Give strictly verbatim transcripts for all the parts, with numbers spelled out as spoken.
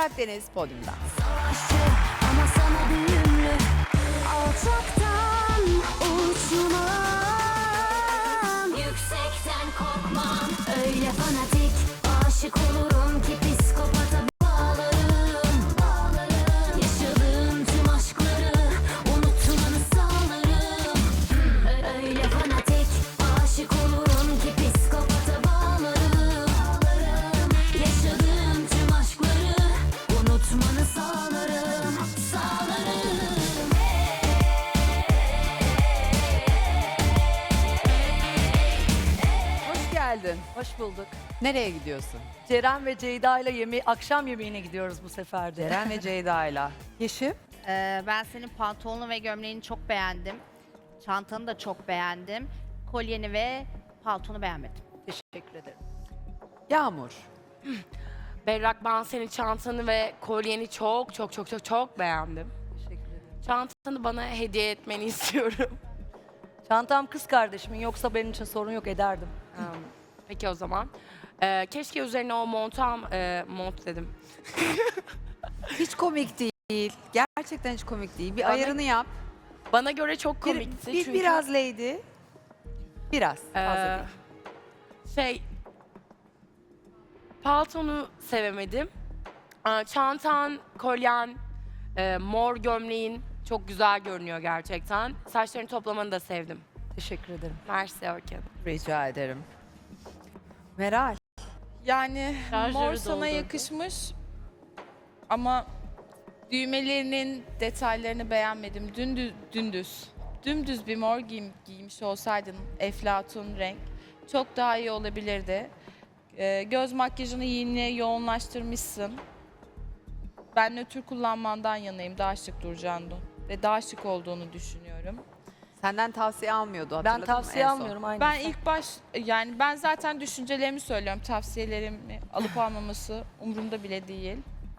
Berrak Deniz podyumda. Savaşçı ama sana büyümlü, alçaktan uçmam, yüksekten korkmam. Öyle fanatik aşık olurum ki psikopata bağlarım, bağlarım. Yaşadığım tüm aşkları unutmanı sağlarım. Öyle fanatik aşık olurum ki psikopata bağlarım, bağlarım. Yaşadığım tüm aşkları unutmanı sağlarım, sağlarım. Hoş geldin. Hoş bulduk. Nereye gidiyorsun? Ceren ve Ceyda ile yemeği, akşam yemeğine gidiyoruz bu sefer de. Ceren ve Ceyda'yla. Yeşim? Ee, ben senin pantolonunu ve gömleğini çok beğendim. Çantanı da çok beğendim. Kolyeni ve paltonu beğenmedim. Teşekkür ederim. Yağmur. Berrak, ben senin çantanı ve kolyeni çok çok çok çok çok beğendim. Teşekkür ederim. Çantanı bana hediye etmeni istiyorum. Çantam kız kardeşimin, yoksa benim için sorun yok, ederdim. Hmm, Peki o zaman. Ee, keşke üzerine o montam, e, mont dedim. Hiç komik değil. Gerçekten hiç komik değil. Bir Bana- ayarını yap. Bana göre çok Bir, komikti bir- çünkü. Biraz lady. Biraz. Fazla Ee, değil. şey, paltonu sevemedim. Ee, Çantan, kolyen, e, mor gömleğin çok güzel görünüyor gerçekten. Saçlarını toplamanı da sevdim. Teşekkür ederim. Mersi Orkin. Rica ederim. Meral. Yani Şarjörü mor sana doldurdu. yakışmış ama düğmelerinin detaylarını beğenmedim. Dündüz, dündüz, dümdüz bir mor giyim, giymiş olsaydın eflatun renk çok daha iyi olabilirdi. Ee, göz makyajını yine yoğunlaştırmışsın. Ben nötr kullanmandan yanayım, daha şık duracağını ve daha şık olduğunu düşünüyorum. Senden tavsiye almıyordu, hatırladın Ben mı tavsiye en son? almıyorum aynı. Ben ilk baş yani ben zaten düşüncelerimi söylüyorum. Tavsiyelerimi alıp almaması umurumda bile değil.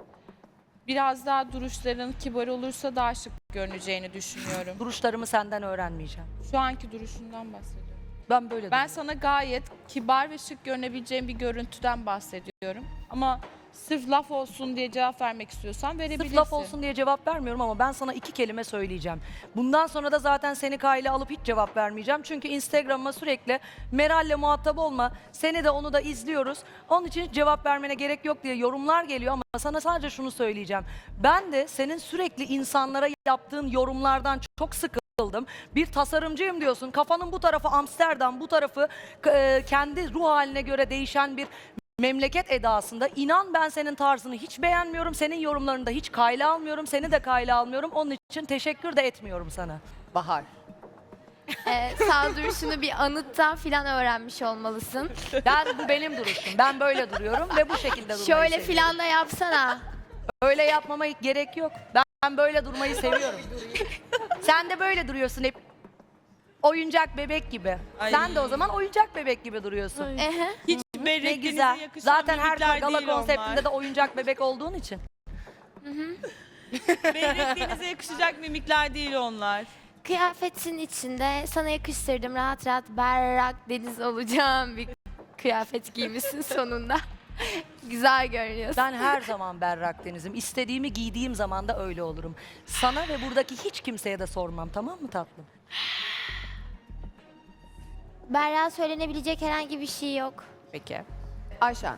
Biraz daha duruşların kibar olursa daha şık görüneceğini düşünüyorum. Duruşlarımı senden öğrenmeyeceğim. Şu anki duruşundan bahsediyorum. Ben böyle Ben duruyorum. sana gayet kibar ve şık görünebileceğin bir görüntüden bahsediyorum. Ama sırf laf olsun diye cevap vermek istiyorsan verebilirsin. Sırf laf olsun diye cevap vermiyorum ama ben sana iki kelime söyleyeceğim. Bundan sonra da zaten seni kayla alıp hiç cevap vermeyeceğim. Çünkü Instagram'ıma sürekli Meral'le muhatap olma, seni de onu da izliyoruz. Onun için hiç cevap vermene gerek yok diye yorumlar geliyor ama sana sadece şunu söyleyeceğim. Ben de senin sürekli insanlara yaptığın yorumlardan çok sıkıldım. Bir tasarımcıyım diyorsun. Kafanın bu tarafı Amsterdam, bu tarafı e, kendi ruh haline göre değişen bir memleket edasında. İnan ben senin tarzını hiç beğenmiyorum. Senin yorumlarını da hiç kayla almıyorum. Seni de kayla almıyorum. Onun için teşekkür de etmiyorum sana. Bahar. Ee, sağ duruşunu bir anıttan filan öğrenmiş olmalısın. Ben bu benim duruşum. Ben böyle duruyorum ve bu şekilde durmayı Şöyle seviyorum. filan da yapsana. Öyle yapmama gerek yok. Ben, ben böyle durmayı seviyorum. Sen de böyle duruyorsun hep. Oyuncak bebek gibi. Ay. Sen de o zaman oyuncak bebek gibi duruyorsun. Ehe. Hiç Ne berrekliğinize güzel. yakışan Zaten her mimikler gala değil konseptinde onlar. de oyuncak bebek olduğun için. Berrekliğinize yakışacak mimikler değil onlar. Kıyafetin içinde sana yakıştırdım, rahat rahat berrak deniz olacağım bir kıyafet giymişsin sonunda. Güzel görünüyorsun. Ben her zaman berrak denizim. İstediğimi giydiğim zaman da öyle olurum. Sana ve buradaki hiç kimseye de sormam, tamam mı tatlım? Berrak'a söylenebilecek herhangi bir şey yok. Peki. Ayşen.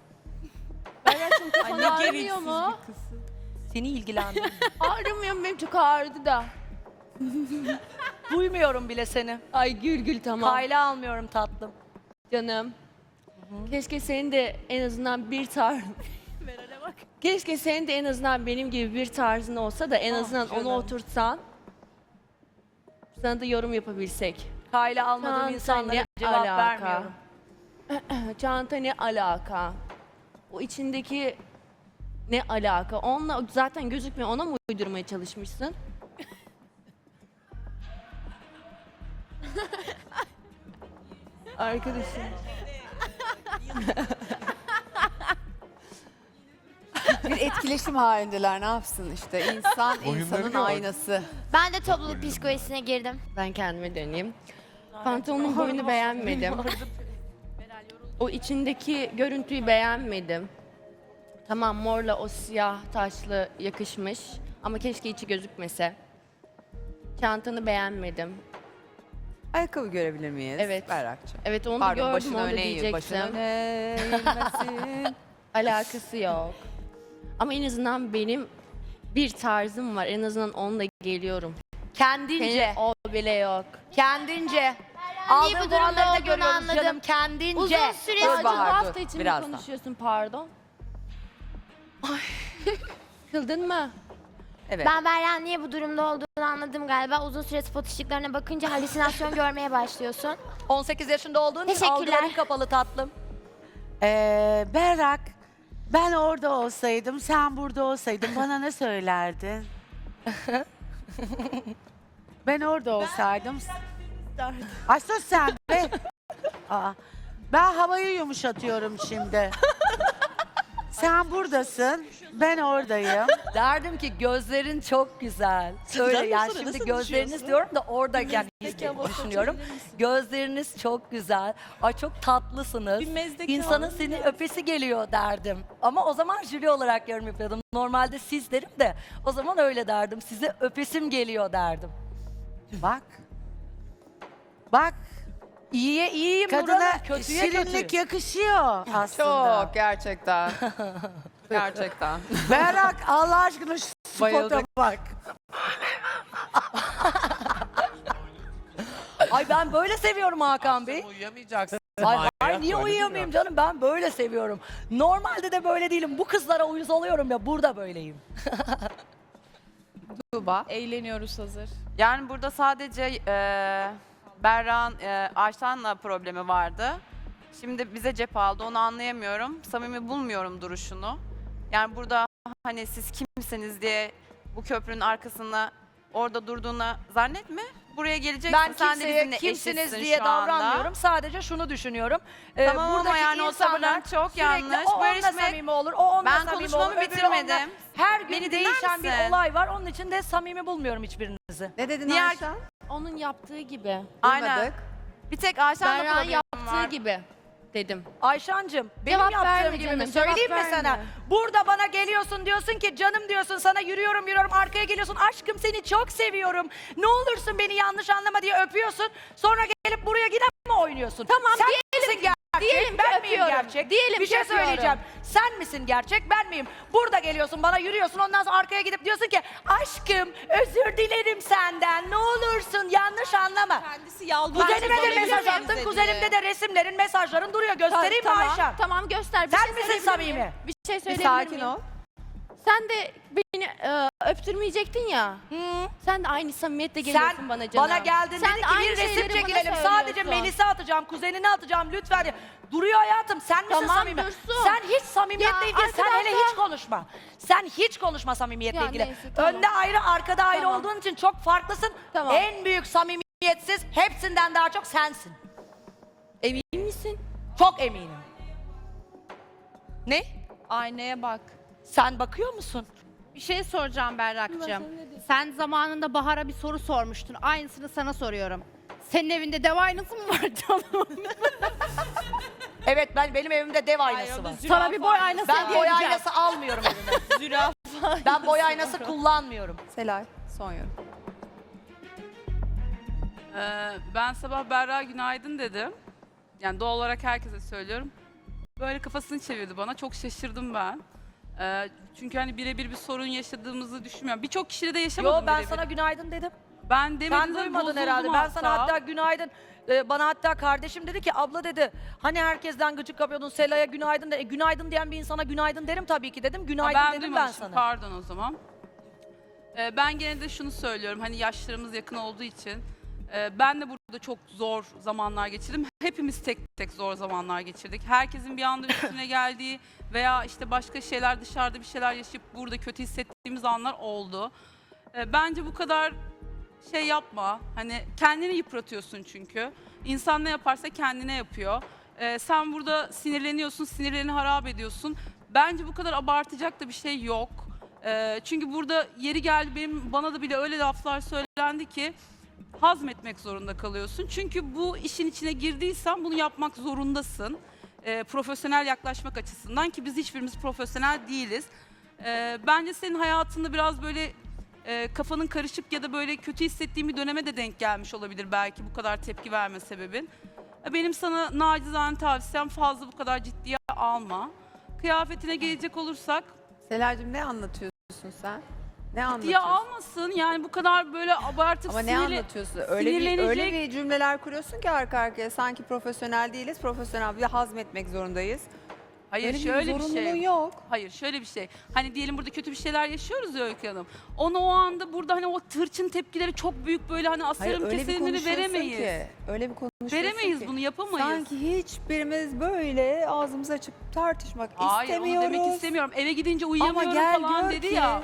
Ay, ne gereksiz mu? bir kız. Seni ilgilendirmiyor. Ağrımıyor, benim çok ağrıdı da. Duymuyorum bile seni. Ay gül gül tamam Kayla almıyorum tatlım. canım. Keşke senin de en azından bir tarz... Keşke senin de en azından benim gibi bir tarzın olsa da en azından onu oturtsan. Sana da yorum yapabilsek. Kayla almadığım Çanta insanlara ne cevap alaka? vermiyorum. Çanta ne alaka? O içindeki ne alaka? Onunla zaten gözükmüyor. Ona mı uydurmaya çalışmışsın? Arkadaşım. Bir etkileşim halindeler, ne yapsın işte. İnsan insanın aynası. Ben de topluluk psikolojisine girdim. Ben kendime döneyim. Pantolonun boyunu beğenmedim. O içindeki görüntüyü beğenmedim. Tamam, morla o siyah taşlı yakışmış ama keşke içi gözükmese. Çantanı beğenmedim. Ayakkabı görebilir miyiz? Evet. Berrak'cığım. Evet, onu da Pardon gördüm, başını onu da öne eğil. Başını diyecektim. öne eğilmesin. Alakası yok. Ama en azından benim bir tarzım var. En azından onunla geliyorum. Kendince. Senin o bile yok. Kendince. niye Aldığın bu durumda puanları da olduğunu görüyoruz anladım. canım. Kendince. Uzun süre Dur Sadece bu Bahar, hafta dur. için mi Birazdan. konuşuyorsun, pardon? Ay. Kıldın mı? Evet. Ben Berra'nın niye bu durumda olduğunu anladım galiba. Uzun süre spot ışıklarına bakınca halüsinasyon görmeye başlıyorsun. on sekiz yaşında olduğun için Teşekkürler. algıların kapalı tatlım. Ee, Berrak, ben orada olsaydım, sen burada olsaydın bana ne söylerdin? Ben orada olsaydım... Ay sus sen be! Aa, ben havayı yumuşatıyorum şimdi. Sen buradasın, ben oradayım. Derdim ki gözlerin çok güzel. Öyle yani şimdi gözleriniz diyorum da oradayken düşünüyorum. Gözleriniz çok güzel. Ay çok tatlısınız. İnsanın seni öpesi geliyor derdim. Ama o zaman jüri olarak yorum yapıyordum. Normalde siz derim de o zaman öyle derdim. Size öpesim geliyor derdim. Bak. Bak, İyiye iyiyim kadına Nurhan'ım, kötüye şirinlik kötü. yakışıyor aslında. Çok gerçekten. Gerçekten. Berrak, Allah aşkına şu spota Bayıldık. bak. Ay ben böyle seviyorum Hakan Bey. Uyuyamayacaksın. Ay, Maya, ay niye öyle uyuyamayayım diyor. canım, ben böyle seviyorum. Normalde de böyle değilim. Bu kızlara uyuz oluyorum ya, burada böyleyim. Tuğba. Eğleniyoruz hazır. Yani burada sadece e, Berra'nın e, Ayşen'le problemi vardı. Şimdi bize cep aldı, onu anlayamıyorum. Samimi bulmuyorum duruşunu. Yani burada hani siz kimsiniz diye bu köprünün arkasında orada durduğuna zannetme. Buraya geleceksin, Ben sen de kimseye bizimle kimsiniz eşitsin diye şu anda. davranmıyorum. Sadece şunu düşünüyorum. Ee, Tamam ama buradaki yani o insanlar tavırların çok sürekli yanlış. O Bu onunla yarışmaya- samimi olur, o onunla Ben samimi konuşmamı olur, öbürü bitirmedim. onunla- Her gün Beni dinler değişen bir misin? olay var. Onun için de samimi bulmuyorum hiçbirinizi. Ne dedin Diğer- Ayşen? Onun yaptığı gibi. Aynen. Duymadık. Bir tek Ayşen'le Berra'nın problemim yaptığı var. gibi dedim. Ayşancığım, benim Cevap yaptığım verme gibi canım, mi? cevap Söyleyeyim mi verme. sana? Burada bana geliyorsun, diyorsun ki canım diyorsun, sana yürüyorum yürüyorum, arkaya geliyorsun. Aşkım seni çok seviyorum. Ne olursun beni yanlış anlama diye öpüyorsun. Sonra gelip buraya gidip mi oynuyorsun? Tamam, Sen diyelim misin ki- gerçek, diyelim ki ben miyim öpüyorum. gerçek? Diyelim bir ki şey öpüyorum. söyleyeceğim. Sen misin gerçek, ben miyim? Burada geliyorsun, bana yürüyorsun. Ondan sonra arkaya gidip diyorsun ki aşkım özür dilerim senden. Ne olursun yanlış anlama. Kendisi yalvarıyor. Kuzenime de mesaj attın. Kuzenimde de resimlerin, mesajların duruyor. Göstereyim mi tamam, Ayşen? Tamam göster. Bir Sen şey misin söyleyebilir samimi? miyim? Bir şey Bir söyleyebilir sakin miyim? ol. Sen de beni e, öptürmeyecektin ya. Hı. Sen de aynı samimiyetle geliyorsun Sen bana canım. bana geldin Sen dedin de ki aynı bir resim şeyleri bana çekilelim. Sadece söylüyorsun. Melis'e atacağım, kuzenine atacağım lütfen. diye. Duruyor hayatım. Sen misin Tamam, samimi? dursun. Sen hiç samimiyetle Ya, ilgili. Sen hele arkadaşlar- hiç konuşma. Sen hiç konuşma samimiyetle Ya, ilgili. neyse, tamam. Önde ayrı, arkada ayrı Tamam. olduğun için çok farklısın. Tamam. En büyük samimiyetsiz, hepsinden daha çok sensin. Emin misin? Çok eminim. Ne? Aynaya bak. Sen bakıyor musun? Bir şey soracağım Berrak'cığım. Sen zamanında Bahar'a bir soru sormuştun. Aynısını sana soruyorum. Senin evinde dev aynası mı var canım? Evet, ben benim evimde dev aynası var. Sana bir boy aynası Ben hediye boy edeceğim. aynası almıyorum evime. Zürafa. Ben boy aynası kullanmıyorum. Selay, son yorum. Ee, ben sabah Berra günaydın dedim. Yani doğal olarak herkese söylüyorum. Böyle kafasını çevirdi bana. Çok şaşırdım ben. Ee, çünkü hani birebir bir sorun yaşadığımızı düşünmüyorum. Birçok kişide de yaşamadım Yo ben birebir. sana günaydın dedim. Ben demedim Sen de duymadın bozuldum herhalde. Ben sana hatta günaydın, e, bana hatta kardeşim dedi ki abla dedi hani herkesten gıcık kapıyordun Sela'ya günaydın de. E, günaydın diyen bir insana günaydın derim tabii ki dedim. Ha, Günaydın ben dedim ben duymamışım, sana. Pardon o zaman. Ee, ben gene de şunu söylüyorum. Hani yaşlarımız yakın olduğu için. e, ben de burada çok zor zamanlar geçirdim. Hepimiz tek tek zor zamanlar geçirdik. Herkesin bir anda üstüne geldiği veya işte başka şeyler dışarıda bir şeyler yaşayıp burada kötü hissettiğimiz anlar oldu. E, bence bu kadar şey yapma. Hani kendini yıpratıyorsun çünkü. İnsan ne yaparsa kendine yapıyor. E, sen burada sinirleniyorsun, sinirlerini harap ediyorsun. Bence bu kadar abartacak da bir şey yok. E, çünkü burada yeri geldi benim bana da bile öyle laflar söylendi ki hazmetmek zorunda kalıyorsun. Çünkü bu işin içine girdiysen bunu yapmak zorundasın. e, profesyonel yaklaşmak açısından ki biz hiçbirimiz profesyonel değiliz. E, bence senin hayatında biraz böyle e, kafanın karışık ya da böyle kötü hissettiğin bir döneme de denk gelmiş olabilir belki bu kadar tepki verme sebebin. E, benim sana nacizane tavsiyem fazla bu kadar ciddiye alma. Kıyafetine gelecek olursak Selacığım ne anlatıyorsun sen? Ne ciddiye anlatıyorsun? almasın yani bu kadar böyle abartıp Ama ne sinirli- anlatıyorsun? Öyle bir, sinirlenecek- öyle bir cümleler kuruyorsun ki arka arkaya sanki profesyonel değiliz, profesyonel bir de hazmetmek zorundayız. Hayır Öyle şöyle bir bir zorunluluğun şey. yok. Hayır şöyle bir şey. Hani diyelim burada kötü bir şeyler yaşıyoruz ya Öykü Hanım. Onu o anda burada hani o tırçın tepkileri çok büyük böyle hani Hayır asarım öyle bir keserimleri konuşuyorsun veremeyiz. ki. Öyle bir konuşuyorsun Veremeyiz ki. bunu yapamayız. Sanki hiçbirimiz böyle ağzımızı açıp tartışmak Hayır istemiyoruz. onu demek istemiyorum. Eve gidince Ama uyuyamıyorum gel falan gör dedi ki. ya.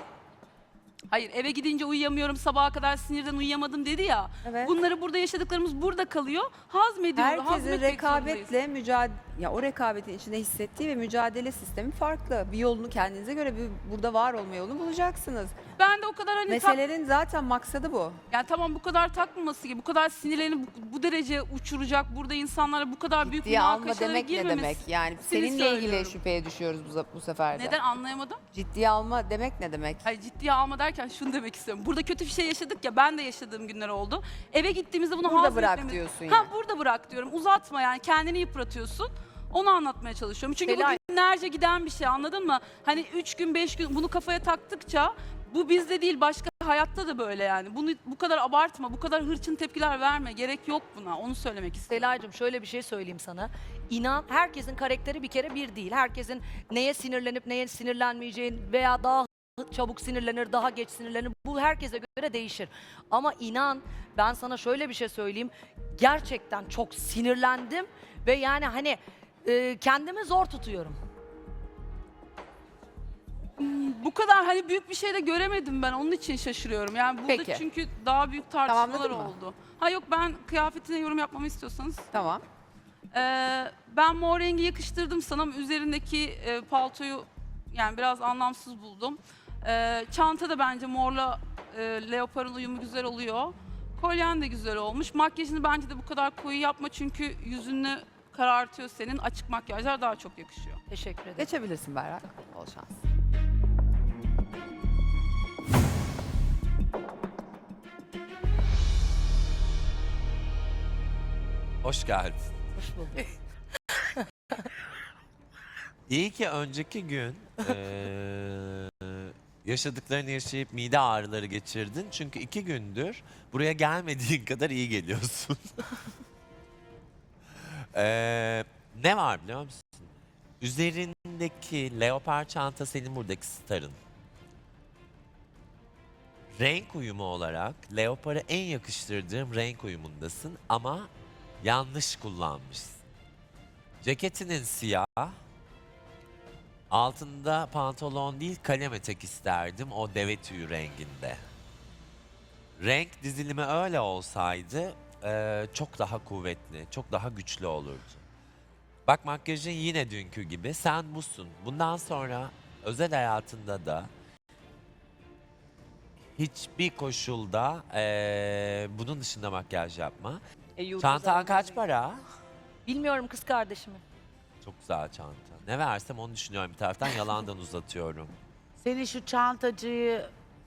Hayır eve gidince uyuyamıyorum sabaha kadar sinirden uyuyamadım dedi ya. Evet. Bunları burada yaşadıklarımız burada kalıyor. Hazmediyor. Herkesin hazmetmek zorundayız. rekabetle mücadele, ya o rekabetin içinde hissettiği ve mücadele sistemi farklı. Bir yolunu kendinize göre bir burada var olma yolunu bulacaksınız. Ben de o kadar hani tak- Meselelerin zaten maksadı bu. yani tamam bu kadar takmaması gibi, bu kadar sinirlerini bu, bu derece uçuracak, burada insanlara bu kadar büyük Ciddiye alma münakaşalara demek ne girmemesi. demek? Yani Seni seninle ilgili söylüyorum. şüpheye düşüyoruz bu, bu sefer de. Neden anlayamadım? Ciddiye alma demek ne demek? Hayır ciddiye alma derken şunu demek istiyorum. Burada kötü bir şey yaşadık ya, ben de yaşadığım günler oldu. Eve gittiğimizde bunu Burada bırak hazmetmemiz- diyorsun Ha yani. burada bırak diyorum. Uzatma yani, kendini yıpratıyorsun. Onu anlatmaya çalışıyorum. Çünkü Selay. bu günlerce giden bir şey, anladın mı? Hani üç gün beş gün bunu kafaya taktıkça bu bizde değil başka hayatta da böyle yani. Bunu bu kadar abartma, bu kadar hırçın tepkiler verme. Gerek yok buna. Onu söylemek istedim. Selay'cığım şöyle bir şey söyleyeyim sana. İnan herkesin karakteri bir kere bir değil. Herkesin neye sinirlenip neye sinirlenmeyeceğin veya daha çabuk sinirlenir, daha geç sinirlenir. Bu herkese göre değişir. Ama inan ben sana şöyle bir şey söyleyeyim. Gerçekten çok sinirlendim ve yani hani e, kendimi zor tutuyorum. Bu kadar hani büyük bir şey de göremedim ben. Onun için şaşırıyorum. Yani burada Peki. çünkü daha büyük tartışmalar Tamamladın mı? oldu. Ha yok, ben kıyafetine yorum yapmamı istiyorsanız. Tamam. Ee, ben mor rengi yakıştırdım sana ama üzerindeki e, paltoyu yani biraz anlamsız buldum. Ee, çanta da bence morla e, leoparın uyumu güzel oluyor. Kolyen de güzel olmuş. Makyajını bence de bu kadar koyu yapma çünkü yüzünü karartıyor senin. Açık makyajlar daha çok yakışıyor. Teşekkür ederim. Geçebilirsin Berrak. Bol şans. Hoş geldin. Hoş bulduk. İyi ki önceki gün eee, yaşadıklarını yaşayıp mide ağrıları geçirdin. Çünkü iki gündür buraya gelmediğin kadar iyi geliyorsun. Eee, ne var biliyor musun? Üzerindeki leopar çanta senin buradaki starın. Renk uyumu olarak leoparı en yakıştırdığım renk uyumundasın ama yanlış kullanmışsın. Ceketinin siyah, altında pantolon değil kalem etek isterdim o deve tüyü renginde. Renk dizilimi öyle olsaydı eee, çok daha kuvvetli, çok daha güçlü olurdu. Bak makyajın yine dünkü gibi, sen busun. Bundan sonra özel hayatında da hiçbir koşulda eee, bunun dışında makyaj yapma. Çantan kaç para? Bilmiyorum kız kardeşimi. Çok güzel çanta. Ne versem onu düşünüyorum bir taraftan, yalandan uzatıyorum. Seni şu çantacıyı,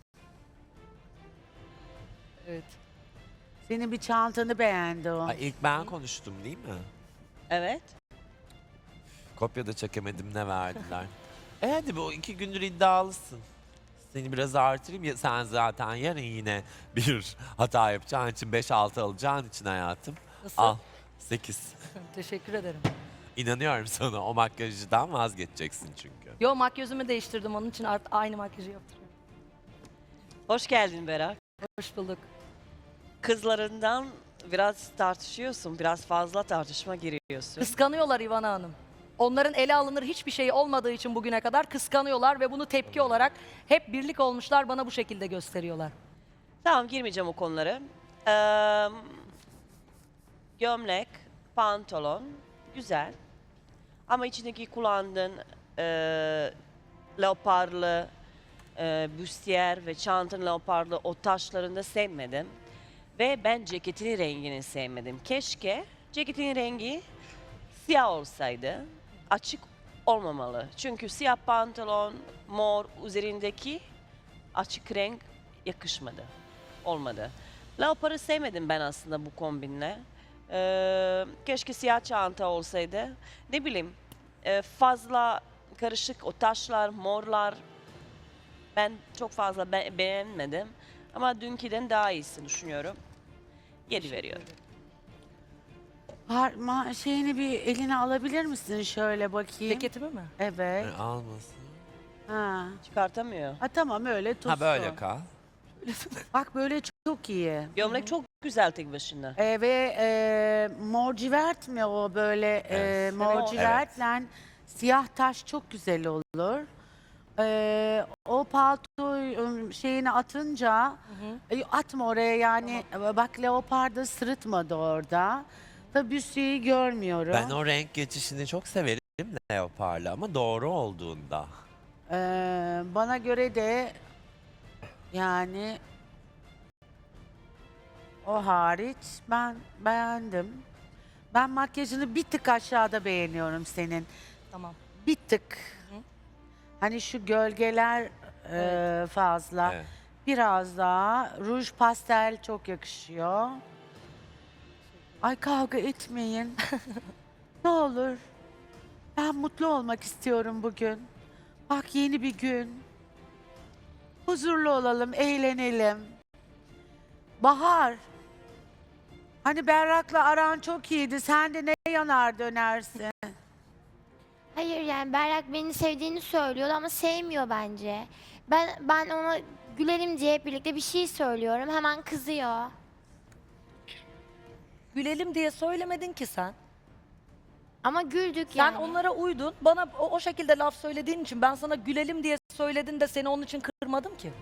Evet. senin bir çantanı beğendi o. Ay, ilk ben konuştum değil mi? Evet. Kopya da çekemedim, ne verdiler. e hadi bu iki gündür iddialısın. Seni biraz artırayım ya, sen zaten yarın yine bir hata yapacağın için beş altı alacağın için hayatım. Nasıl? Al sekiz. Teşekkür ederim. İnanıyorum sana, o makyajdan vazgeçeceksin çünkü. Yo makyajımı değiştirdim onun için art- aynı makyajı yaptırıyorum. Hoş geldin Berak. Hoş bulduk. Kızlarından biraz tartışıyorsun, biraz fazla tartışma giriyorsun. Kıskanıyorlar İvana Hanım. Onların ele alınır hiçbir şey olmadığı için bugüne kadar kıskanıyorlar ve bunu tepki olarak hep birlik olmuşlar, bana bu şekilde gösteriyorlar. Tamam, girmeyeceğim o konulara. Ee, gömlek, pantolon, güzel. Ama içindeki kullandığın e, leoparlı, e, büstiyer ve çantanın leoparlı o taşlarını da sevmedim. Ve ben ceketinin rengini sevmedim. Keşke ceketin rengi siyah olsaydı. açık olmamalı. Çünkü siyah pantolon, mor üzerindeki açık renk yakışmadı. Olmadı. Leopar'ı sevmedim ben aslında bu kombinle. Ee, keşke siyah çanta olsaydı. Ne bileyim e, fazla karışık o taşlar, morlar ben çok fazla be- beğenmedim. Ama dünküden daha iyisini düşünüyorum. yedi veriyorum. Har, ma, şeyini bir eline alabilir misin şöyle bakayım? Ceketimi mi? Evet. E, almasın. Ha. Çıkartamıyor. Ha tamam öyle tutsun. Ha böyle kal. Bak böyle çok iyi. Gömlek çok güzel tek başına. Ee, ve e, mor civert mi o böyle e, Evet. mor Evet. civertle siyah taş çok güzel olur. Ee, o palto ım, şeyini atınca e, atma oraya yani bak leopar da sırıtmadı orada. Tabii büstiyi görmüyorum. Ben o renk geçişini çok severim leoparla ama doğru olduğunda. Ee, bana göre de yani o hariç ben beğendim. Ben makyajını bir tık aşağıda beğeniyorum senin. Tamam. Bir tık. Hani şu gölgeler e, fazla. Evet. Biraz daha. Ruj pastel çok yakışıyor. Ay kavga etmeyin. Ne olur. Ben mutlu olmak istiyorum bugün. Bak yeni bir gün. Huzurlu olalım, eğlenelim. Bahar. Hani Berrak'la aran çok iyiydi. Sen de ne yanar dönersin? Hayır yani Berrak beni sevdiğini söylüyor ama sevmiyor bence. Ben ben ona gülelim diye hep birlikte bir şey söylüyorum. Hemen kızıyor. Gülelim diye söylemedin ki sen. Ama güldük Sen yani. onlara uydun. Bana o, o şekilde laf söylediğin için ben sana gülelim diye söyledin de seni onun için kırmadım ki.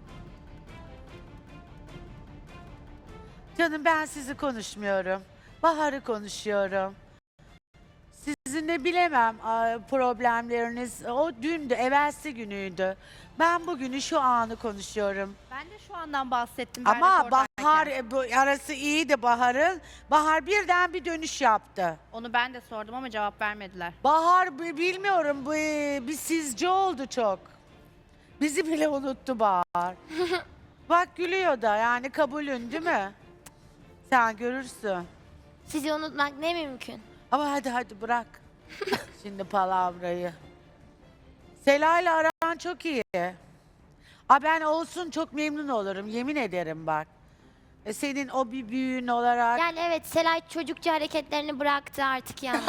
Canım ben sizi konuşmuyorum. Bahar'ı konuşuyorum. Sizinle bilemem a, problemleriniz. O dündü, evvelsi günüydü. Ben bugünü şu anı konuşuyorum. Ben de şu andan bahsettim. Berrak Ama oradayken. Bahar e, bu arası iyiydi Bahar'ın. Bahar birden bir dönüş yaptı. Onu ben de sordum ama cevap vermediler. Bahar bi- bilmiyorum bu e, bir sizce oldu çok. Bizi bile unuttu Bahar. Bak gülüyor da yani kabulün değil mi? Sen görürsün. Sizi unutmak ne mümkün. Ama hadi hadi bırak. Şimdi palavrayı. Sela'yla aran çok iyi. A ben olsun çok memnun olurum yemin ederim bak. E, senin o bir büyüğün olarak. Yani evet Selay çocukça hareketlerini bıraktı artık yani.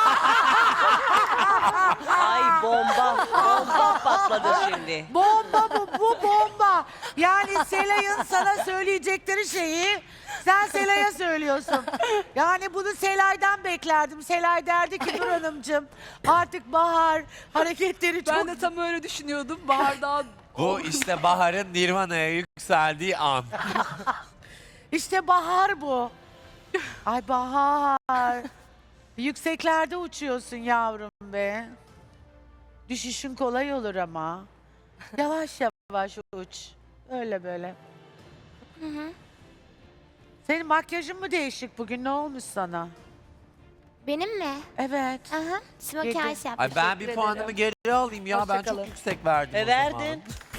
Ay bomba. Bomba patladı şimdi. Bomba bu, bu bomba. Yani Selay'ın sana söyleyecekleri şeyi sen Selay'a söylüyorsun. Yani bunu Selay'dan beklerdim. Selay derdi ki Nur Hanımcığım artık Bahar hareketleri çok... Ben de tam öyle düşünüyordum. Bahar daha Bu işte Bahar'ın Nirvana'ya yükseldiği an. İşte Bahar bu. Ay Bahar. Yükseklerde uçuyorsun yavrum be. Düşüşün kolay olur ama. Yavaş yavaş uç. Öyle böyle. Senin makyajın mı değişik bugün? Ne olmuş sana? Benim mi? Evet. Aha. Smoky Yedi. eyes yaptım. Ay ben bir Teşekkür puanımı ederim. geri alayım ya Hoşça ben kalın. çok yüksek verdim E o zaman. verdin.